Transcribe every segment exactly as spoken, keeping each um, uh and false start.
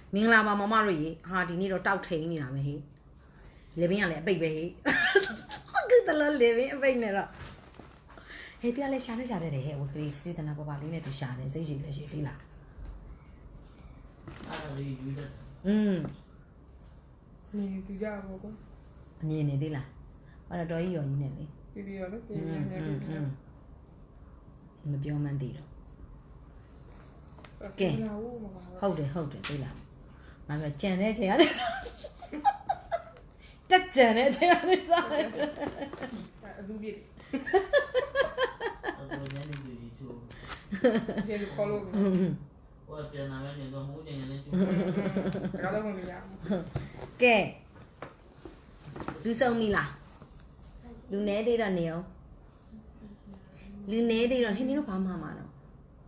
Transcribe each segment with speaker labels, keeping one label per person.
Speaker 1: မင်္ဂလာပါမမတို့ရေဟာဒီနေ့တော့တောက်ထိန်နေတာပဲဟေးလေဘင်းကလည်းအပိတ်ပဲဟေးကတလလေဘင်းအပိတ်နေတော့ဟေးတရားလည်းရှာနေရှာတယ်ဟဲ့ဝကလေးစေတနာပပလေးနဲ့သူရှာတယ်စိတ်ရှိလည်းရှိသေးလား
Speaker 2: အဲ့ဒါလေးယူတယ်
Speaker 1: อืม
Speaker 3: နေပြကြပါဘော
Speaker 1: အမြင်နေသေးလားဟောတော့တော်ကြီးရော်ကြီးနဲ့လေ
Speaker 3: ပြပြရလို့ပြပြရပြပြ
Speaker 1: မပြောမှန်းသေးတော့ကဲဟုတ်တယ်ဟုတ်တယ်သိလားငါကကြံတဲ့ချိန်ရတယ်တက်ကြံတဲ့ချိန်ရတယ်စားတယ်
Speaker 3: အလူပြည့်
Speaker 2: အဲ့ဒါလည်းနေပြီချိုး
Speaker 3: ကျေခေါ်လို့
Speaker 2: ဟိုပြန်လာမယ်နေတော့ဟိုညနေနဲ့ချိုး
Speaker 3: ဒါတော့မရ
Speaker 1: ကဲလူဆုံးပြီလားလူနေသေးတော့နေအောင်လူနေသေးတော့ဟင်းနေတော့ဘာမှမှာတော့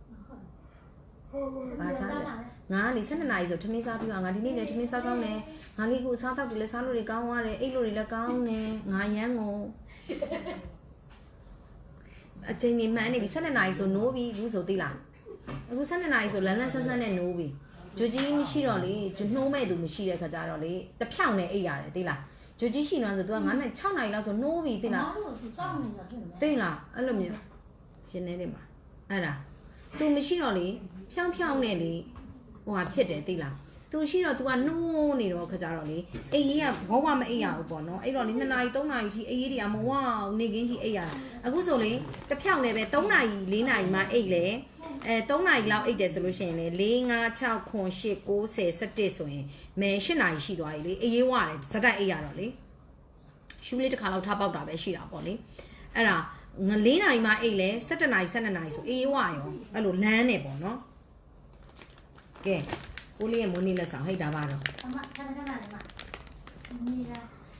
Speaker 1: ဘာစားလဲငါလေsevenနာရီဆိုထမင်းစားပြီးတော့ငါဒီနေ့လည်းထမင်းစားကောင်းတယ်ငါလေးကိုစားတော့တယ်လည်းစားလို့တွေကောင်းသွားတယ်အိတ်လို့တွေလည်းကောင်းတယ်ငါရမ်းကိုအချိန်ကြီးမှန်းနေပြီsevenနာရီဆိုနိုးပြီလူဆိုသိလားအခုsevenနာရီဆိုလန်းလန်းဆန်းဆန်းနဲ့နိုးပြီဂျိုကြီးမရှိတော့လေဂျိုနှိုးမဲ့သူမရှိတဲ့ခါကြတော့လေတဖြောင်းနဲ့အိတ်ရတယ်သိလားဂျိုကြီးရှိနေဆို तू ကnineနာရီsixနာရီလောက်ဆိုနိုးပြီသိလားသိလားအဲ့လိုမျိုးရှင်နေတယ်မှာအဲ့ဒါ तू မရှိတော့လေဖြောင်းဖြောင်းနဲ့လေဟိုဟာဖြစ်တယ်သိလား तू ရှိတော့ तू ကနှိုးနေတော့ခကြတော့လေအိတ်ကြီးကဘောဝမအိတ်ရဘူးပေါ့နော်အဲ့တော့လေtwoနာရီthreeနာရီထိအိတ်ကြီးတွေကမဝအောင်နေကင်းထိအိတ်ရတာအခုဆိုလေတစ်ဖြောင်းနဲ့ပဲthreeနာရီfourနာရီမှအိတ်လေအဲthreeနာရီလောက်အိတ်တယ်ဆိုလို့ရှိရင်လေfour five six seven eight nine ten elevenဆိုရင်မဲeightနာရီရှိသွားပြီလေအေးရေးဝရတယ်စက်တိုက်အိတ်ရတော့လေရှူးလေးတစ်ခါလောက်ထားပေါက်တာပဲရှိတာပေါ့လေအဲ့ဒါငါfourနာရီမှအိတ်လေsevenနာရီtwelveနာရီဆိုအေးရေးဝရောအဲ့လိုလမ်းနေပေါ့နော်ကဲကိုလေးရဲ့မွေးနေ့လက်ဆောင်ဟိတ်တာပါတော့
Speaker 4: အမခဏခဏလေးမနီလာ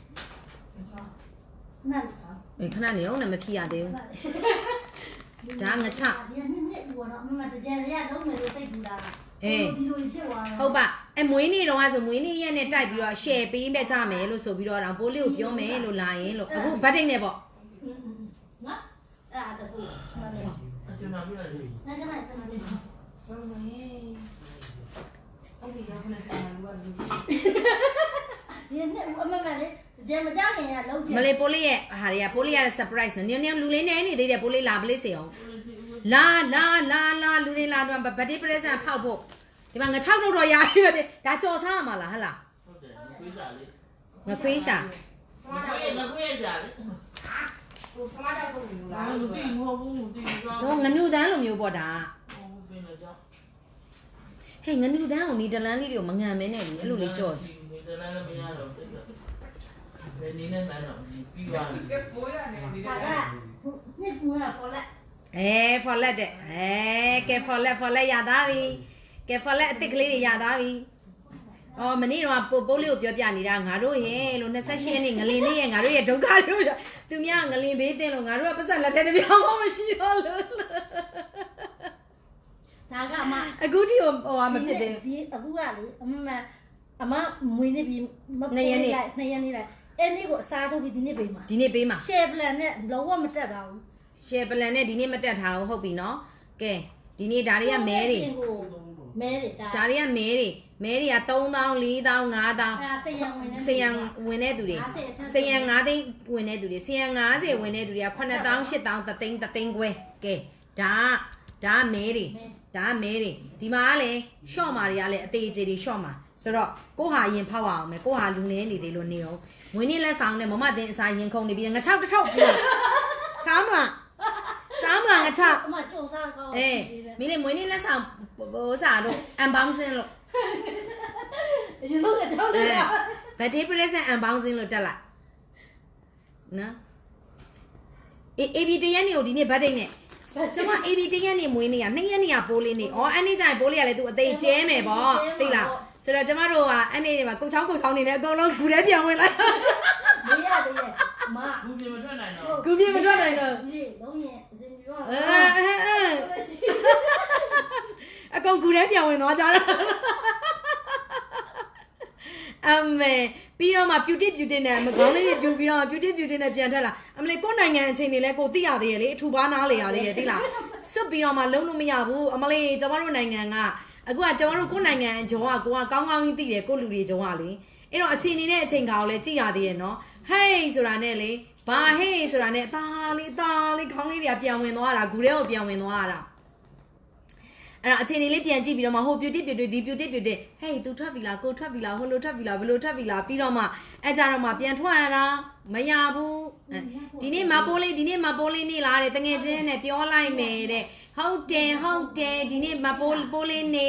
Speaker 4: နားလား
Speaker 1: အေးခဏနေအောင်လည်းမဖြစ်ရသေးဘူးဒါငါချ
Speaker 4: ဒီနေ့နေ့ဘောနော်အမတကြံရလုံးမယ်လို့စိတ်ပူတာ
Speaker 1: အေး
Speaker 4: ဒီလိုဖြစ်သွား
Speaker 1: တယ်ဟုတ်ပါအဲမွေးနေ့တော့ဆိုမွေးနေ့ရက်နဲ့တိုက်ပြီးတော့ share ပေးမဲ့ကြမယ်လို့ဆိုပြီးတော့ပိုးလေးကိုပြောမယ်လို့လာရင်လို့အခုဘတ်တိတ်နဲ့ပေါ့
Speaker 4: နော်အဲ့ဒါတူမှန်တယ်
Speaker 2: အကျဉ်းမှာပြလိုက်လေ
Speaker 4: နားကလည်းတမန်လေး
Speaker 3: ဟုတ်ပါရဲ့အဲ့ဒီရောက်နေတာလူကလူကြီး
Speaker 4: ဒီနေ့အမမလေးကြံမကြခင်ရလုံးချင်
Speaker 1: မလေးပိုးလေးရဲ့ဟာတွေကပိုးလေးရတဲ့ surprise နော်နင်းနင်းလူလေးနေနေသေးတယ်ပိုးလေးလာပလေးစေအောင်လာလာလာလာလူတွေလာတော့ birthday present ဖောက်ဖို့ဒီမှာငါsixထုတ်တော့ရပြီပဲဒါကြော်စားရမှာလားဟဟလား
Speaker 2: ဟုတ်တယ်ခွေးရှာလေ
Speaker 1: ငါခွေးရှာ
Speaker 2: ငါခွေးငါခွေးရှာလေ
Speaker 3: ကိုစမားတော့ဘူးလား
Speaker 2: မသိမဟုတ်ဘူးမသိဘူး
Speaker 1: တော့ငနုတန်းလိုမျိုးပေါ့ဒါ
Speaker 2: ဟုတ်ပင်တော့ကြောက်
Speaker 1: ဟဲ့ငနုတန်းကိုနီဒလန်လေးတွေကိုမငံမဲနဲ့လေအဲ့လိုလေးကြော်
Speaker 2: နီဒလန်လည်းမရတော့တိတ်ဘယ်နည်းနဲ့မှန်းတော့ပြီးသွားပြီ
Speaker 3: ကဲပိုးရနေနေ
Speaker 4: တယ်နှစ်ပူရဖော်လက်
Speaker 1: အဲ follet တဲ့အဲကဲ follet follet ရသားပြီကဲ follet အစ်စ်ကလေးတွေရသားပြီအော်မနေ့တော့ပိုးပိုးလေးကိုပြောပြနေတာငါတို့ရဲ့လို့twenty-eightရက်နေ့ငလင်လေးရဲ့ငါတို့ရဲ့ဒုက္ခတို့သူများငလင်ဘေးတင်လို့ငါတို့ကပတ်စံလက်ထဲတစ်ပြောင်းမှမရှိတော့လို့
Speaker 4: ဒါကအမ
Speaker 1: အခုထိဟိုဟာမဖြစ်သေး
Speaker 4: ဘူးဒီအခုကလေအမအမမွေးနေပြီနှစ်ရက်နေ့နှစ်ရက်နေ့လိုက်အဲ့နေ့ကိုအစားထုတ်ပြီးဒီနေ့ပေးမှာ
Speaker 1: ဒီနေ့ပေးမှာ
Speaker 4: share plan နဲ့လုံးဝမတက်ပါဘူး
Speaker 1: share plan နဲ့ဒီနေ့မတက်ထားဘူးဟုတ်ပြီနော်ကဲဒီနေ့ဒါတွေကမဲတွေ
Speaker 4: မဲတွေဒါ
Speaker 1: ဒါတွေကမဲတွေမဲတွေကthree thousand four thousand five thousand
Speaker 4: အဲ့ဒါစရံဝင်နေ
Speaker 1: စရံဝင်နေသူတွေစရံfiveသိန်းဝင်နေသူတွေစရံfiftyဝင်နေသူတွေကseven thousand eight thousand oneသိန်းoneသိန်းခွဲကဲဒါဒါမဲတွေဒါမဲတွေဒီမှာကလည်း short မာတွေကလည်းအသေးသေးတွေ short မာဆိုတော့ကိုဟာရင်ဖောက်အောင်မယ်ကိုဟာလူနေနေသေးလို့နေအောင်ငွေနေ့လက်ဆောင်နဲ့မမတင်အစာရင်ခုန်နေပြီးငါsixတစ်ထုပ်ပြစားမလားစားမလားငါsix
Speaker 4: အမကြိုးစားကောင်း
Speaker 1: အေးမင်းလေငွေနေ့လက်ဆောင်ဟိုစားတော့ unboxing လို့
Speaker 4: ရေလုံးကကြောက်နေတာ
Speaker 1: birthday present unboxing လို့တက်လိုက်နော်အေး A B တရက်နေကိုဒီနေ့ birthday နဲ့ကျွန်မ A B တရက်နေမွေးနေ့ကtwoရက်နေကပိုးလေးနေဩအဲ့နေ့ကျရင်ပိုးလေးကလည်းသူအသေးကျဲမယ်ပေါ့သိလားဆိုတော့ကျမတို့ကအဲ့နေ့တွေမှာကုတ်ချောင်းကုတ်ချောင်းနေတယ်အကုန်လုံးဂူထဲပြန်ဝင်လိုက်
Speaker 4: မရသေးရဲ့အမ
Speaker 2: ဂူပြေမထွက်နိုင်တော့
Speaker 1: ဂူပြေမထွက်နိုင်တော့
Speaker 4: ဒီလုံးရင်အစင်ပြော
Speaker 1: အဲအဲအကောင်ဂူထဲပြန်ဝင်သွားကြတော့အမေပြီးတော့မှ beauty beauty နဲ့မကောင်းလေးပြူပြီးတော့ beauty beauty နဲ့ပြန်ထွက်လာအမလေးကိုနိုင်ငံအချိန်တွေလဲကိုသိရသေးရဲ့လေအထူပါနားလေရသေးရဲ့သိလားစွတ်ပြီးတော့မှလုံးလို့မရဘူးအမလေးကျမတို့နိုင်ငံကအအခုကကျွန်တော်တို့ကိုယ်နိုင်ငံဂျုံကကိုကကောင်းကောင်းကြီးသိတယ်ကိုလူတွေဂျုံကလေအဲ့တော့အချိန်နေတဲ့အချိန်ခါကိုလည်းကြည့်ရသေးရဲ့နော်ဟေးဆိုတာနဲ့လေဘာဟေးဆိုတာနဲ့အသားလေးအသားလေးခေါင်းလေးတွေကပြန်ဝင်သွားတာဂူထဲကိုပြန်ဝင်သွားတာအဲ့ဒါအချိန်လေးပြန်ကြည့်ပြီးတော့မှဟိုပြူတစ်ပြူတစ်ဒီပြူတစ်ပြူတစ်ဟေး तू ထွက်ပြီလားကိုထွက်ပြီလားဟိုလိုထွက်ပြီလားဘယ်လိုထွက်ပြီလားပြီးတော့မှအဲ့ကြတော့မှပြန်ထွက်ရတာမရဘူးဒီနေ့မပိုးလေးဒီနေ့မပိုးလေးနေလားတဲ့တငယ်ချင်းနဲ့ပြောလိုက်မယ်တဲ့ဟုတ်တယ်ဟုတ်တယ်ဒီနေ့မပိုးပိုးလေးနေ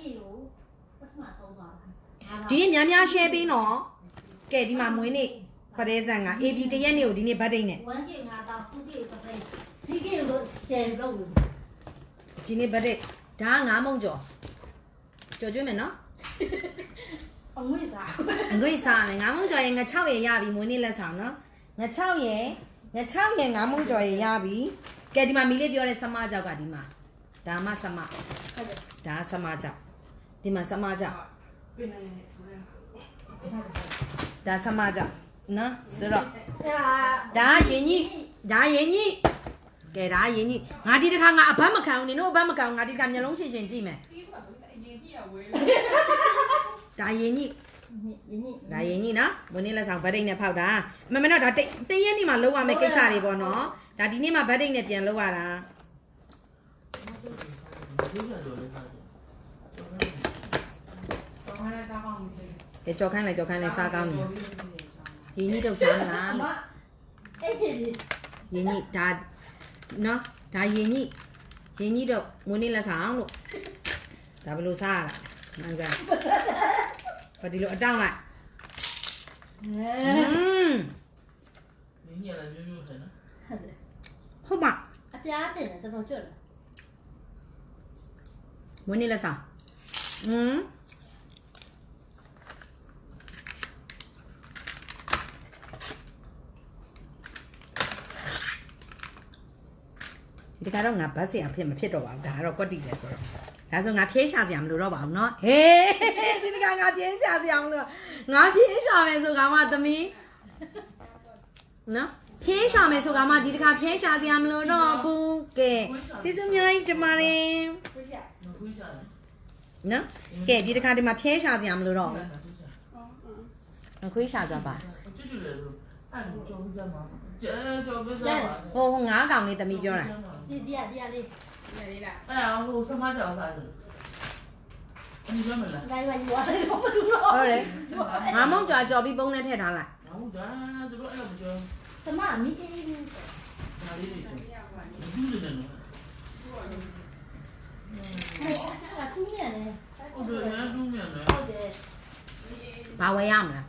Speaker 1: ဒီနေ့များများ share ပေးနော်ကဲဒီမှာမွေးနေ့ပရဲဆန်က A B တရက်နေ့ကိုဒီနေ့ဗတ်ဒိတ်နဲ့
Speaker 4: one K ငါတော့two K တစ်ပိတ် three K ကို share လုပ်လို့
Speaker 1: ဒီနေ့ဗတ်ဒိတ်ဒါကငါးမုံကျော်ကြော်ကျွေးမယ်နော်
Speaker 4: အငွေ့စား
Speaker 1: အငွေ့စားမယ်ငါးမုံကျော်ရင်ငါ၆ရယ်ရပြီမွေးနေ့လက်ဆောင်နော်ငါ၆ရယ်ငါ၆ရယ်ငါးမုံကျော်ရယ်ရပြီကဲဒီမှာမီလေးပြောတဲ့ဆမကြောက်ကဒီမှာဒါမှဆမဟုတ်တယ်ဒါဆမကြောက်ဒီမှာဆမကြောက်ဒါဆမကြောက်နော်ဆိုတော့
Speaker 4: အဲ့ဒါ
Speaker 1: ဒါရင်ကြီးဒါရင်ကြီးကဲဒါရင်ကြီးငါဒီတစ်ခါငါအဘတ်မခံဘူးနင်တို့အဘတ်မခံဘူးငါဒီတစ်ခါမျက်လုံးရှင်းရှင်းကြည့်မယ်ဒါရင်ကြီး
Speaker 4: ရင်းရင်း
Speaker 1: ဒါရင်ကြီးနော်မွေးနေ့လက်ဆောင်ဗတ်ဒိတ်နဲ့ဖောက်တာမမတော့ဒါတိတ်တရက်နေ့မှလုံးဝမယ်ကိစ္စတွေပေါ့နော်ဒါဒီနေ့မှဗတ်ဒိတ်နဲ့ပြန်လုံးရတာကဲကြော်ခိုင်းလိုက်ကြော်ခိုင်းလိုက်စားကောင်းနေရင်ကြီးတော့စားမလား
Speaker 4: အမအဲ့ဒီ
Speaker 1: ရင်ကြီးဒါနော်ဒါရင်ကြီးရင်ကြီးတော့မွေးနေ့လက်ဆောင်လို့ဒါဘယ်လိုစားရလဲမှန်စားဘာဒီလိုအတောင်းလိုက်อืม
Speaker 2: 你念了就有的呢。
Speaker 4: ဟုတ်တယ်
Speaker 1: ဟုတ်ပါ
Speaker 4: အပြားတင်တယ်တော်တော်ကျွတ်တယ်
Speaker 1: မွေးနေ့လက်ဆောင်อืมဒီကတော့ငါဘတ်စရာဖြစ်မဖြစ်တော့ပါဘူးဒါကတော့ကွက်တီလဲဆိုတော့ဒါဆိုငါဖြေးရှာစရာမလိုတော့ပါဘူးเนาะဟေးဒီကငါဖြေးရှာစရာမလိုငါဖြေးရှာမယ်ဆိုကမှသမီးနော်ဖြေးရှာမယ်ဆိုကမှဒီတစ်ခါဖြေးရှာစရာမလိုတော့ဘူးကဲကျေးဇူးများကြီးတင်ပါတယ်
Speaker 2: 那回下来，
Speaker 1: နော်ကဲဒီတစ်ခါဒီမှာဖြေးရှာစရာမလိုတော့
Speaker 2: 那
Speaker 1: ဘူး
Speaker 2: 回下。
Speaker 1: ငါခွေးရှာစပါ
Speaker 2: 这就是按照回家嘛，这叫回家嘛。
Speaker 1: ဟိုဟိုငါးကောင်လေးသမီးပြောတာ
Speaker 4: ဒီဒီရဒီရလေး
Speaker 2: 哎呀，我什么叫啥子？你专门来。
Speaker 4: ငါရွာရွာတယ်ဘာမလို့လဲ
Speaker 1: ဟုတ်တယ်ငါမုံကြော်ကြော်ပြီးပုံနဲ့ထည့်ထားလိုက်
Speaker 2: 然后咱这个哎不叫
Speaker 4: သမမီးအေး
Speaker 2: 哪里的？就是那种。
Speaker 4: အဲ့ဒါသူ့မြန်လေ
Speaker 2: 哦，对，人家中面的。
Speaker 4: ဟုတ်တယ်
Speaker 1: ဘာဝယ်ရမလား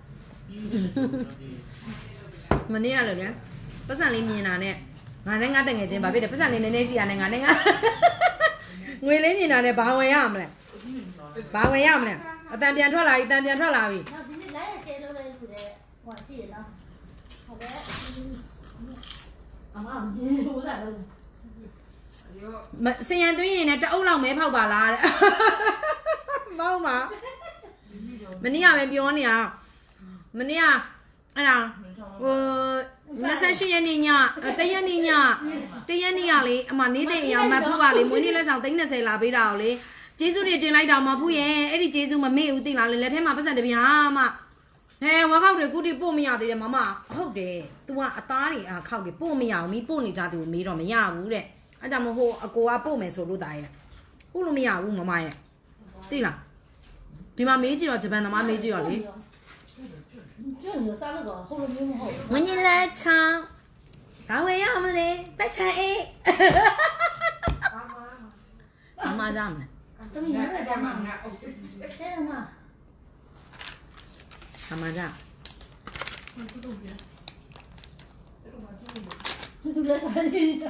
Speaker 1: မနေ့ကလို့ညာပတ်စံလေးမြင်တာနဲ့ငါနဲ့ငါတငယ်ချင်းဘာဖြစ်တယ်ပတ်စံလေးနည်းနည်းရှိရနဲ့ငါနဲ့ငါငွေလေးမြင်တာနဲ့ဘာဝယ်ရမလဲဘာဝယ်ရမလဲအတန်ပြန်ထွက်လာပြီအတန်ပြန်ထွက်လာပြီ
Speaker 4: နောက်ဒီနေ့လိုက်ရရှယ်လုပ်လိုက်လို့တဲ့ဟိုရှိရနော်ဟုတ်တယ်အမအကြီးလို့စားလို့
Speaker 1: မစင်ရန်သွင်းရင်လည်းတအုပ်လောက်မဲဖောက်ပါလားတဲ့မောင်းပါမနေ့ကပဲပြောနေရမနေ့ကအဲ့ဒါဟိုနှစ်ဆယ့်ရှစ်ရက်နေ့ညတရက်နေ့ညတရက်နေ့ကလေအမနေတဲ့အိမ်အောင်မဖူးကလေမွေးနေ့လက်ဆောင်သိန်း၂၀လာပေးတာကိုလေကျေးဇူးတွေတင်လိုက်တာမဖူးရဲ့အဲ့ဒီကျေးဇူးမမေ့ဘူးသိလားလေလက်ထဲမှာပတ်စံတပြားမှဟဲဝါခောက်တွေကုတိပို့မရသေးတယ်မမဟုတ်တယ် तू ကအသားတွေအခောက်တွေပို့မရဘူးမီးပို့နေကြသူကိုမေးတော့မရဘူးတဲ့အဲ့ဒါမဟုတ်အကိုကပို့မယ်ဆိုလို့တာရဲ့ပို့လို့မရဘူးမမရဲ့သိလားဒီမှာမေးကြည့်တော့ဂျပန်သမားမေးကြည့်တော့လေ
Speaker 4: ကျွတ်နေစားလို့တော့ဟိုလိုမျိုးမဟုတ်
Speaker 1: ဝင်းကြီးလက်ချောင်းဘာဝယ်ရမလဲပတ်ချင်အေးအမကြမလဲ
Speaker 4: တမီးလည်းကြမှာငါဟုတ်တယ်တဲ့မှာ
Speaker 1: အမကြ
Speaker 4: သူသူလည်းစားနေတယ်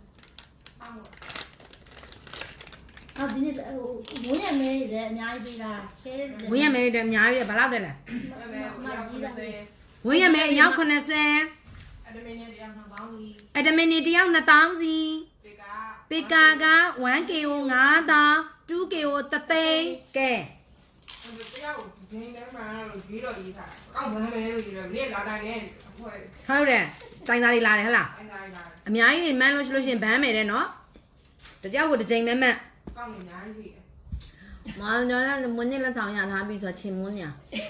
Speaker 4: အော်ဒီနေ့ဟိုဘုန်းရမဲလည်းအများကြီးပေးတာရှဲတယ်
Speaker 1: ဝင်းရမဲတဲ့အများကြီးပဲဘယ်လောက်တက်လဲ
Speaker 4: မကြီးတာ
Speaker 1: ဝင်းရမဲအယောက်80
Speaker 3: အဒမင်းနဲ့တရားမှာပေါင်းပြီး
Speaker 1: အဒမင်နီတယောက်နှစ်သောင်းစီ
Speaker 3: ဒီက
Speaker 1: ပေကာက one K O ငါးသောင်း two K O တသိန်းကဲ
Speaker 3: တရားကိုဂျင်းထဲမှာရေးတော့ရေးတာကောက်ဘယ်နဲ့လဲလို့ရေးတော့နေ့လာတိုင်းနဲ့အဖွဲ့
Speaker 1: ဟုတ်တယ်တိုင်သားတွေလာတယ်ဟလား
Speaker 3: အန်တိုင်းလာ
Speaker 1: အများကြီးနေမှန်းလို့ရှိလို့ရှင်ဘန်းမယ်တဲ့နော်တကြောက်ကိုတစ်ချိန်မဲမက်
Speaker 3: ကောက်နေညာရှိတယ်
Speaker 1: ဟမောင်ကျော်ကမွေးနေ့လက်ဆောင်ရထားပြီးဆိုတော့ချိန်မွန်းညာ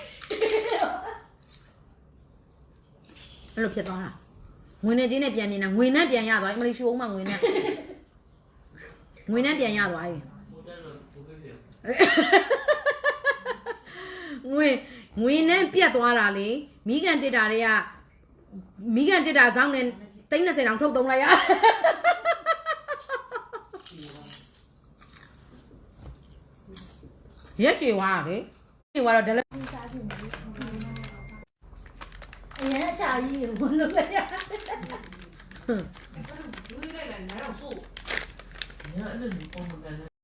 Speaker 1: အဲ့လိုဖြစ်သွားတာငွေနဲ့ချင်းနဲ့ပြန်မြင်တာငွေနဲ့ပြန်ရသွားအမလေးရှိုးမှငွေနဲ့ငွေနဲ့ပြန်ရသွားပြီ
Speaker 2: ဘုရားလို့ဘုရားပြော
Speaker 1: ငွေငွေနဲ့ပြတ်သွားတာလေမိကန်တစ်တာတွေကမိကန်တစ်တာစောင်းနဲ့သိန်း၂၀တောင်ထုတ်သုံးလိုက်ရရက်ပြေသွားတယ်ပြေသွားတော့ဒလက်
Speaker 4: စားဖြစ်နေပြီအရင်အချာကြီးကိုဘယ်လိုလဲ
Speaker 3: လူတွေလည်းလည်းတော့ဆို
Speaker 2: 你看那女工们干的。